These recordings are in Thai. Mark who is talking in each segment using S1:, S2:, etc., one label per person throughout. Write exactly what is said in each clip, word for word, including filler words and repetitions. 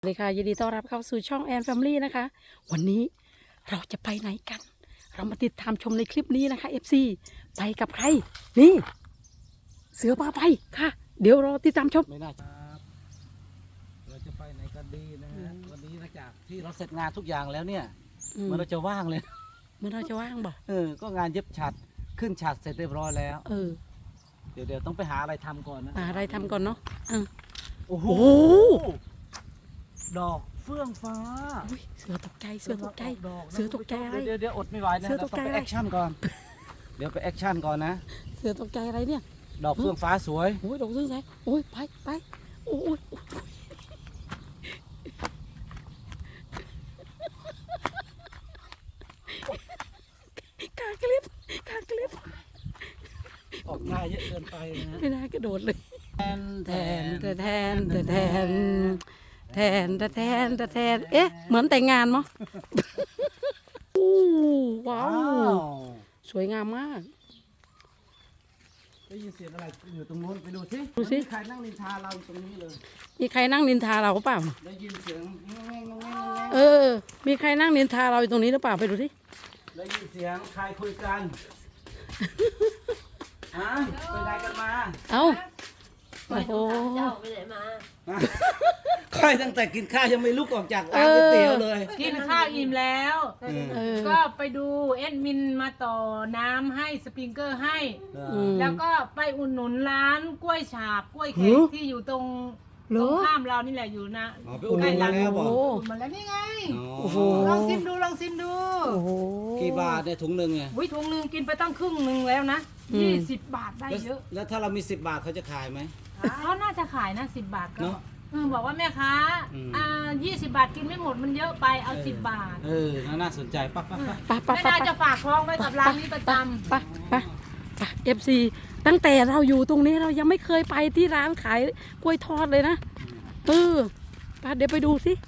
S1: สวัสดีค่ะยินดีต้อนรับเข้าสู่ช่องแอนแฟมิลี่นะคะวันนี้เราจะไปไหนกัน เรามาติดตามชมในคลิปนี้นะคะ เอฟ ซี ไปกับใครนี่เสือพาไปค่ะ เดี๋ยวรอติดตามชม
S2: ไม่น่าครับเราจะไปไหนกันดีนะฮะวันนี้หลังจากที่เราเสร็จงานทุกอย่างแล้วเนี่ยเมื่อเราจะว่างเลย
S1: เมื่อเราจะว่างบ่
S2: เออก็งานเย็บฉัดขึ้นฉัดเสร็จเรียบร้อยแล้ว
S1: เออ
S2: เดี๋ยวเดี๋ยวต้องไปหาอะไรทำก่อนนะ
S1: หาอะไรทำก่อนเนาะอ่ะ
S2: โอ้โหดอกเฟื่องฟ้า
S1: อุ๊ยเสือตกใจเสือตกใจ
S2: ดอกนะ
S1: เสือตกใจอะไร
S2: เดี๋ยวเดี๋ยวอดไม่ไหวนะ
S1: เสือต
S2: เรา
S1: ก
S2: ต้อ
S1: ใจ
S2: งไป
S1: อะไร
S2: แอคชั่นก่อน เดี๋ยวไปแอคชั่นก่อนนะ
S1: เสือตกใจอะไรเนี่ย
S2: ดอกเฟื่องฟ้าสวย
S1: โอ้ยดอกเสือใสโอ้ยไปไปโอ้ยกากลิบกากลิบ
S2: ออกหน้าเยอะเกินไปนะ
S1: ไม่น่ากระโดดเลย
S2: แทน
S1: แทนแทนแทนแทนแทนแทนแทนแทนเอ๊ะเหมือนแต่งงานมั้งโอ้ว้า
S2: ว้าว ว
S1: สวยงามมาก
S2: ได้ยินเสียงอะไรอยู่ตรงโน้นไปดูสิ
S1: ดูสิ
S2: มันมีใครนั่งนินทาเราอยู่ตรงนี้เลย
S1: มีใครนั่งนินทาเราเปล่า
S2: ได้ยินเสียงงงงงง
S1: เออ มีใครนั่งนินทาเราอยู่ตรงนี้หรือเปล่าไปดูสิ
S2: ได้ยินเสียงใครคุยกันฮะไปไหนกันมา
S1: เอ้าโอ้โห
S3: เจ้าไปไหนมา
S2: ใครตั้งแต่กินข้าวยังไม่ลุกออกจากร้านก๋วยเตี๋ยวเลย
S4: กินข้าวอิ่มแล้ว
S1: เออ
S4: ก็ไปดูเอ็ดมินมาต่อน้ำให้สปริงเกอร์ให้
S1: อืม
S4: แล้วก็ไปอุดหนุนร้านกล้วยฉาบกล้วยแข
S1: หื
S4: ก
S1: อ
S4: ที่อยู่ตรง
S1: เหร
S4: ตร
S1: อง
S4: ข้ามเรานี่แหละอยู่นะ
S2: อ๋อไปอุดหนุนมาแล้วบอก
S1: โอ้
S4: อุดหนุนมาแล้วนี่ไง
S1: โอ้โห
S4: ลองชิมดูลองชิมดู
S1: โอ้โห
S2: กี่บาทเนี่ยถุงหนึ่งไง
S4: วิถุงหนึงกินไปตั้งครึ่งหนึงแล้วนะ
S1: อืม
S4: ยี่สิบบาทได้
S2: แล้ว
S4: เยอะ
S2: แล้วถ้าเรามีสิบบาทเขาจะขายไหม
S4: เขาน่าจะขายนะสิบบาทก็
S2: เนอะ
S4: เออบอกว่าแม่ค้า
S2: อืม
S4: อ่ายี่สิบบาทกินไม่หมดมันเยอะไปเอาสิบบาท
S2: เออน่าสนใจปั๊บปั๊บปั๊บ
S1: ไปไป
S4: ไม่
S1: ไป
S4: น่า
S1: ไป
S4: จะฝากท้องไว้กับร้านนี้ประจำ
S1: ไปไปไปเอฟซีตั้งแต่เราอยู่ตรงนี้เรายังไม่เคยไปที่ร้านขายกล้วยทอดเลยนะเออไปเดี๋ยวไปดูสิ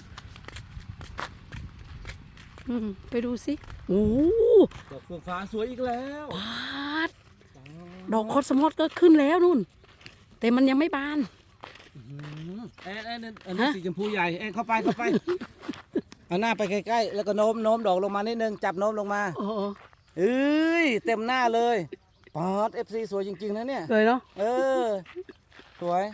S1: อืมไปดูสิโอ้โห
S2: ดอกเฟื่องฟ้าสวยอีกแล้ว
S1: ปาดดอกคอสมอสก็ขึ้นแล้วนู่น แต่มันยังไม่บาน
S2: อื้อหือเอ็นเอ็นเอ็นอันนี้
S1: ฮะ
S2: สีชมพูใหญ่เอ็นเข้าไปเข้าไปเอาหน้าไปใกล้ๆแล้วก็โน้มโน้มดอกลงมานิดนึงจับโน้มลงมา
S1: โอ้โห
S2: เอ้ยเต็มหน้าเลยปอดเอฟซีสวยจริงๆนะเนี่ย
S1: เลยเนาะ
S2: เออ สวย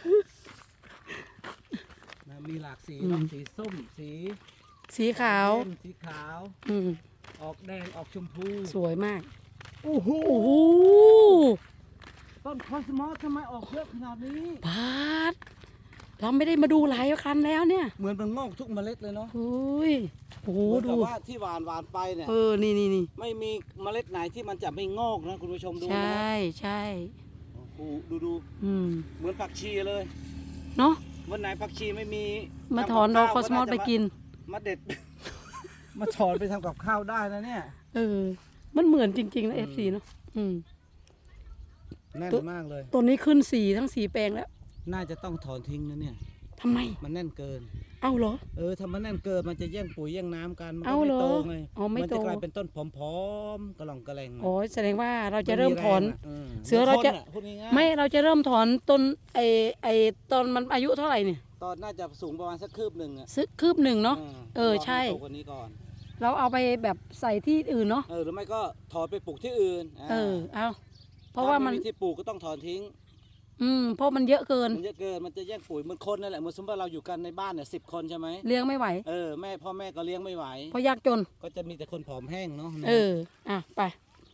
S2: นะมีหลากสีเนอะสีส้ม สี
S1: สีขาว
S2: เข้มสีขาว
S1: อืม
S2: ออกแดง ออกชมพู
S1: สวยมาก
S2: โอ้โห
S1: โอ้โห
S2: ต้นคอสมอสทำไมออกเยอะขนาดนี้
S1: ปาดเราไม่ได้มาดูหลายคันแล้วเนี่ย
S2: เหมือนมันงอกทุกเมล็ดเลยเนาะ
S1: เฮ้ยโอ้โห
S2: เหมือน
S1: ดู
S2: กับว่าที่หวานหวานไปเนี่ย
S1: เออนี่นี่นี่
S2: ไม่มีเมล็ดไหนที่มันจะไม่งอกนะคุณผู้ชมดู
S1: ใช
S2: นะ
S1: ่ใช่
S2: โอ้โหดูดู
S1: อืม
S2: เหมือนผักชีเลย
S1: เนาะ
S2: วันไหนผักชีไม่มี
S1: มา
S2: ทำบ
S1: ถอนดอกค
S2: ข้
S1: อ
S2: ว
S1: สมอสไปกิน
S2: มาเด็ด มาถอนไปทำกับข้าวได้นะเนี่ย
S1: เออ มันเหมือนจริงๆนะเอฟซีเนาะอืม
S2: แน่นมากเลย
S1: ตัวนี้ขึ้นสีทั้งสีแปลงแล้ว
S2: น่าจะต้องถอนทิ้งนะเนี่ย
S1: ทำไม
S2: มันแน่นเกิน
S1: เอาเหรอ
S2: เออถ้ามันแน่นเกินมันจะแย่งปุ๋ยแย่งน้ำกัน มัน
S1: เอา
S2: ก็
S1: เหร
S2: ไม่
S1: อ
S2: โตไง
S1: อ๋อไม่
S2: มั
S1: โต
S2: จะกลายเป็นต้นผอมๆกระหล่องกระแหลง
S1: อ๋อแสดงว่าเราจะเริ่มถอน
S2: มัน
S1: เสือเราจะ
S2: หมืนคนพูดง่ายๆ
S1: ไม่เราจะเริ่มถอนต้นไอไอตอนมันอายุเท่าไหร่เนี่ย
S2: ตอนน่าจะสูงประมาณสักคืบหนึ่งอะ
S1: ซึกคืบหนึ่งเนาะ เออใช่
S2: รให้โตกว่านี้ก่อน
S1: เราเอาไปแบบใส่ที่อื่นเนาะ
S2: เออหรือไม่ก็ถอนไปปลูกที่อื่น
S1: เออเอาเพราะว่ามัน
S2: ถ้ไที่ปลูกก็ต้องถอนทิ้ง
S1: อืมเพราะมันเยอะเกิน
S2: มันเยอะเกินมันจะแย่งปุ๋ยเหมือนคนนั่นแหละเหมือนสมมติว่าเราอยู่กันในบ้านเนี่ยสิบคนใช่ไหม
S1: เลี้ยงไม่ไหว
S2: เออแม่พ่อแม่ก็เลี้ยงไม่ไหว
S1: เพราะยากจน
S2: ก็จะมีแต่คนผอมแห้งเนาะ
S1: เออ อ่ะ ไป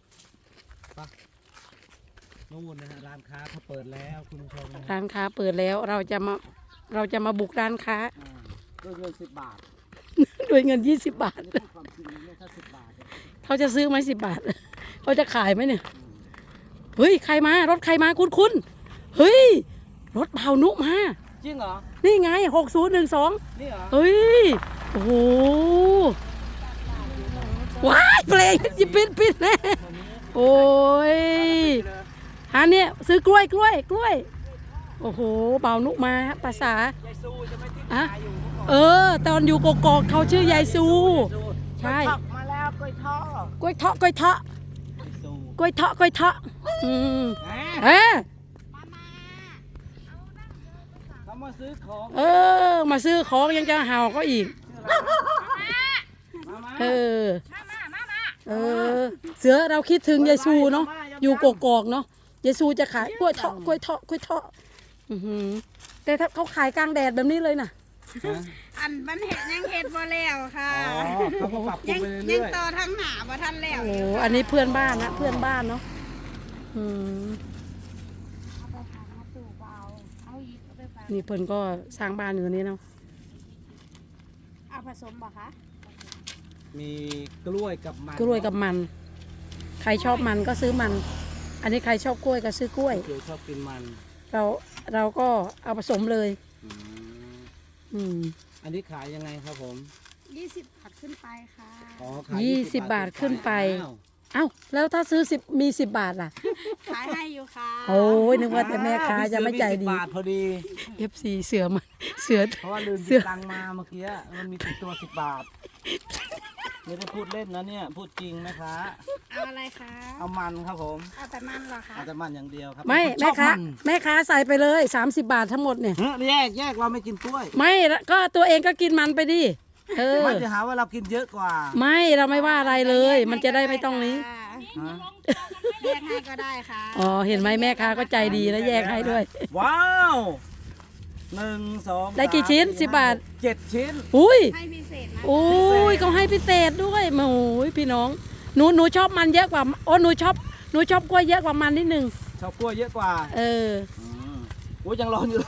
S2: นู่นนะฮะร้านค้าเขาเปิดแล้วคุณผู้ชมนะฮะ
S1: ร้านค้าเปิดแล้ว เราจะมา เราจะมาบุกร้านค้า
S2: อ่าด้วยเงินสิบบาท
S1: ด้วยเงินยี่สิบบาท
S2: อันนี้พูดความจริงเนี่ยถ้าสิบบาทเนี่ย
S1: เขาจะซื้อไหมสิบบาท เขาจะขายไหมเนี่ย เฮ้ย ใครมา รถใครมาคุณคุณเฮ้ย รถเบานุมา
S2: จริงเหรอ
S1: นี่ไงหกศูนย์หนึ่งสอง
S2: นี่เหรอ
S1: เฮ้ย โอ้โห ว้ายเพลงยิบปิดปิดแน่โอ้ยอันเนี้ยซื้อกล้วยกล้วยกล้วย โอ้โห เบานุมาภาษาย
S2: ายซูจะไม่ทิ้ง
S1: อะ
S2: ขายอยู่เมื่อก่อน
S1: เออ ตอนอยู่กกอกเขาชื่อยายซู ใช่
S2: ผักมาแล้วกล้วยทอด
S1: กล้วยเทาะกล้วยเทาะ
S2: ซู
S1: กล้วยเทาะกล้วยเทาะอืม
S2: แหม
S1: เอ๊ะ
S2: ทำไมมาซื้อของ
S1: เออ มาซื้อของยังจะเห่าก็อีก
S2: มามา
S1: เออ เออ เสือเราคิดถึงยายซูเนาะ อยู่กกอกเนาะยายซูจะขายกล้วยเทาะกล้วยเทาะกล้วยเทาะอื้อหือแต่ถ้าเขาขายกลางแดดแบบนี้เลยน่ะ
S2: ฮะ
S3: อันมันเห็ดยังเห็ดบ่แล้วค่ะ
S2: อ๋อเขาก็ปรับปรุ
S3: ยัง ง
S2: ไป
S3: ยั
S2: เรื่
S3: ง
S2: อย
S3: ต่อทั้งหนาบ่ทันแล้ว
S1: โอ้
S3: ยู่ค่ะ
S1: อันนี้เพื่อนบ้านนะเพื่อนบ้านเนาะอืม
S3: เอาไปฝากมาสู่เบาเอาอีกเอาไปฝาก
S1: นี่เพิ่นก็สร้างบ้านอยู่นี่เนาะ
S3: เอาผสมบ่คะ
S2: ๆมีกล้วยกับมัน
S1: กล้วยกับมัน ใครชอบมันก็ซื้อมัน อันนี้ใครชอบกล้วยก็ซื้อกล้วย
S2: เดี๋ยวชอบกินมัน
S1: เราเราก็เอาผสมเลย
S2: อืม
S1: อืม
S2: อันนี้ขายยังไงครับผม
S3: ยี่สิบบาทขึ้นไปค่ะ
S2: อ๋อขาย
S1: ยี่สิบบาทขึ้นไป
S2: อ้าว
S1: เอ้าแล้วถ้าซื้อสิบมีสิบบาทล่ะ
S3: ขายให้อยู่ค่ะ
S1: โอ้ยนึกว่าแต่แม่ค้าจะไม่ใจดี
S2: สิบบาทพอดี
S1: เอฟซีเสือมันเสือ
S2: เพราะว่าลืม
S1: เสื้
S2: ติ
S1: อ
S2: ดตังค์มาเมื่อกี้มันมีติดตัวสิบบาทไม่ได้พูดเล่นนะเนี่ย พูดจริงนะคะ
S3: เอาอะไรคะ
S2: เอามันครับผม
S3: เอาแต่มันเหรอคะ
S2: เอาแต่มันอย่างเดียวครับ
S1: ไม่
S2: ช
S1: แม่
S2: อบ
S1: ค้า
S2: มัน
S1: แม่ค้าใส่ไปเลยสามสิบบาททั้งหมดเนี่ย
S2: เฮ้ยแยกแยกเราไม่กินกล้วย
S1: ไม่ก็ตัวเองก็กินมันไปดิเออ
S2: ไม่จะหาว่าเรากินเยอะกว่า
S1: ไม่เราไม่ว่าอะไรเลย มันจะได้ไม่ต้องนี้
S2: ฮะ
S3: แยกให้ก็ได้ค่ะ
S1: อ๋อเห็นไหมแม่ค้าก็ใจดีแล้วแยกให้ด้วย
S2: ว้าวหนึ่งสอง
S1: ได้กี่ชิ้น
S2: สาม
S1: สิบบาท
S2: เจ็ดชิ้น
S1: อุ้ย
S3: ให้พิเศษนะ
S1: โอ้ยเขาให้พิเศษด้วยโอ้ยพี่น้องหนูหนูชอบมันเยอะกว่าโอ้หนูชอบหนูชอบกล้วยเยอะกว่ามันนิดนึง
S2: ชอบกล้วยเยอะกว่า
S1: เออ
S2: อืมโอ้ยยังร้อนอยู่เลย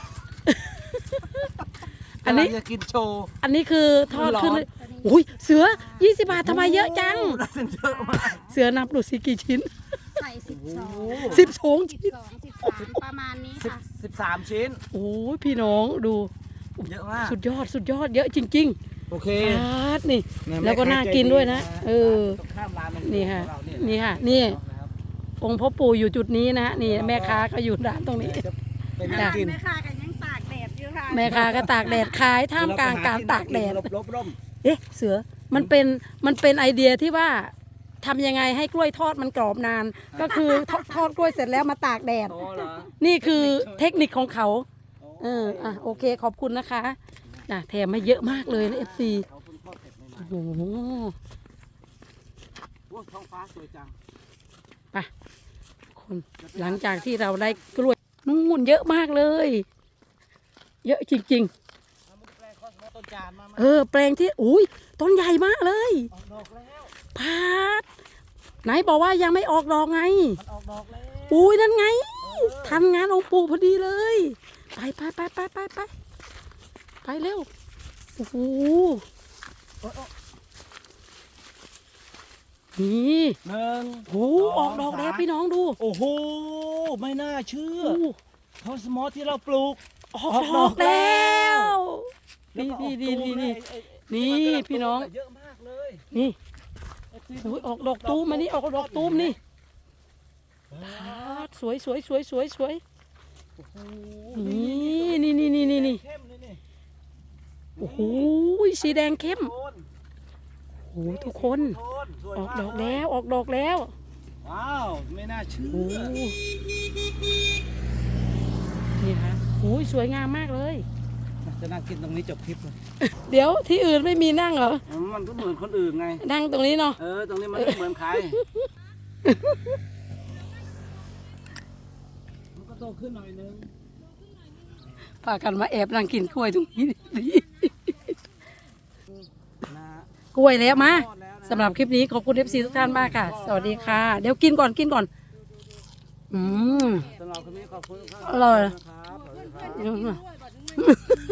S1: อันนี้
S2: กำลังจะกินโชว์
S1: อันนี้คือทอดขึ้น
S2: ร้อน
S1: อุ้ยเสือยี่สิบบาททำไมเยอะจัง
S2: โอ้โหได้เยอะมาก
S1: เสือนับดูสิกี่ชิ้น
S3: ใส่สิบสอง
S1: สิบสอง
S3: สิบ
S1: ชิ้น
S3: สองสิบสามประมาณนี้
S2: สิบ
S3: ค่ะ
S2: สิบสามชิ้น
S1: โอ้ยพี่น้องดู
S2: เยอะมาก
S1: สุดยอดสุดยอดเยอะจริง
S2: โอเค
S1: ๆฟาดนี่
S2: ม่
S1: แล้วก็น่ากินด้วยนะ เออ
S2: ตรงข้ามร้าน
S1: นี่ค่ะ
S2: ของเราเย
S1: นี่ค่ะนี่
S2: นะครับ
S1: องค์พ่อปู่อยู่จุดนี้นะฮะนี่แม่ค้าก็อยู่ร้านตรงนี้
S2: จะเป็น
S1: จ้ะ
S2: น้ำกิน
S3: แม่ค้ากันยังตากแดดอยู่ค่ะ
S1: แม่ค้าก็ตากแดดขายท่ามกลางการตากแดด
S2: ลบลบร่ม
S1: เอ๊ะเสือมันเป็นมันเป็นไอเดียที่ว่าทำยังไงให้กล้วยทอดมันกรอบนาน ก็คือทอดทอดกล้วยเสร็จแล้วมาตากแดด
S2: โตเหรอ
S1: นี่คือเทคนิคของเขา เอออ่ะโอเคขอบคุณนะคะนะแถมมาเยอะมากเลยนะเอฟซี
S2: เขาเพิ่งทอดเสร็จใหม่
S1: โอ้โห
S2: ๆโอ้ยท้องฟ้าสวยจัง
S1: ไปคนหลังจากที่เราได้กล้วยนู่นเยอะมากเลย เยอะจริง
S2: เอามาแปลงข้อสมมติต้นจานมามา
S1: ๆ เออ แปลงที่อุ้ยต้นใหญ่มากเลย
S2: ออกดอกแล้ว
S1: พาดไหนบอกว่ายังไม่ออกดอกไง
S2: มันออกดอกแล้ว
S1: อุ้ยนั่นไง
S2: เออ
S1: ทันงานองค์ปู่พอดีเลย ไปไปไปไปไปไปไปเร็วโอ้โห
S2: โอ๊ยโอ๊ย
S1: นี่
S2: หนึ่ง
S1: โอ้โหออกดอกแล้วพี่น้องดู
S2: โอ้โหไม่น่าเชื่อ
S1: โอ้โห
S2: ข้าวสมอที่เราปลูก
S1: ออกดอกแล้ว
S2: แล้ว
S1: นี่
S2: ก็ออก
S1: นี่
S2: ตู
S1: นี่
S2: ม
S1: นี่
S2: เลยไอ้
S1: นี่
S2: ไอ้ที่มักำลั
S1: พี่น้อง
S2: เยอะมากเลย
S1: นี่
S2: ไอ้ที่
S1: โอ้ยออกดอกตูมมานี่ออกดอกตูมนี่
S2: เออ
S1: พาดสวยสวยสวยสวยสวย
S2: โอ้โห
S1: นี่นี่นี่นี่นี่นี่
S2: เข้มเลยนี่
S1: โอ้โหสีแดงเข้ม
S2: โทน
S1: โอ้โหทุกคน
S2: โทนสวย
S1: ออก
S2: มา
S1: ดอกแล้วออกดอกแล้ว
S2: ว้าวไม่น่าเชื่อ
S1: โอ้โหนี่ค่ะโอ้ยสวยงามมากเลย
S2: จะนั่งกินตรงนี้จบคลิปเลย
S1: เดี๋ยวที่อื่นไม่มีนั่งเหรอ
S2: มันก็เหมือนคนอื่นไง
S1: นั่งตรงนี้เนาะ
S2: เออ ตรงนี้มันไม่เหมือนใคร มันก็โตขึ้นหน่อยนึง
S1: พากันมาแอบนั่งกินกล้วยตรงนี้
S2: นะ
S1: กล้วยแล้วมา
S2: ทอดแล้วนะ
S1: สำหรับคลิปนี้ขอบคุณเอฟซีทุกท่านมากค่ะ สวัสดีค่ะ เดี๋ยวกินก่อนกินก่อน อืม
S2: สำหรับคลิปนี้ขอบคุณทุกท่าน
S1: อร่อย
S2: นะครับสวัสดีครับ
S1: อืม